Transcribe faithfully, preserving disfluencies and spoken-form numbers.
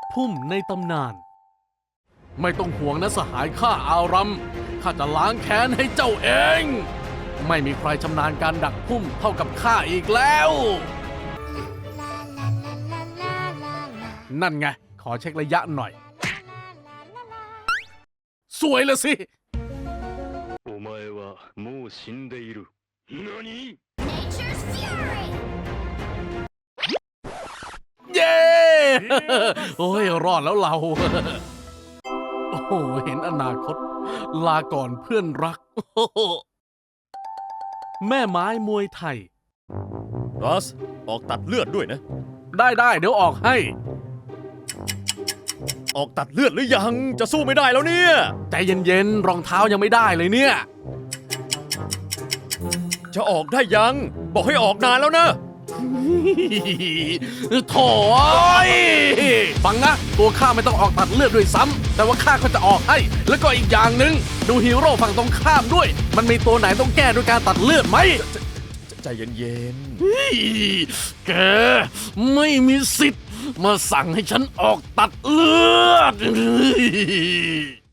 พุ่มในตำนาน ไม่ต้องห่วงนะสหายข้าอารัมข้าจะล้างแค้นให้เจ้าเอง ไม่มีใครชำนาญการดักพุ่มเท่ากับข้าอีกแล้ว นั่นไง ขอเช็คระยะหน่อย สวยละสิお前はもう死んでいる。何？ Nature's fury! เย้ โอ้ย รอดแล้วเรา โอ้โห เห็นอนาคต ลาก่อนเพื่อนรัก แม่ไม้มวยไทยรัส ออกตัดเลือดด้วยนะได้ได้เดี๋ยวออกให้ออกตัดเลือดหรือยัง จะสู้ไม่ได้แล้วเนี่ยใจเย็นๆ รองเท้ายังไม่ได้เลยเนี่ยจะออกได้ยัง บอกให้ออกนานแล้วนะโถ่ยฟังนะ ตัวข้าไม่ต้องออกตัดเลือดด้วยซ้ำแต่ว่าข้าก็จะออกให้ แล้วก็อีกอย่างหนึ่งดูฮีโร่ฝั่งตรงข้ามด้วย มันมีตัวไหนต้องแก้ด้วยการตัดเลือดไหมใจเย็นแกไม่มีสิทธิ์มาสั่งให้ฉันออกตัดเลือด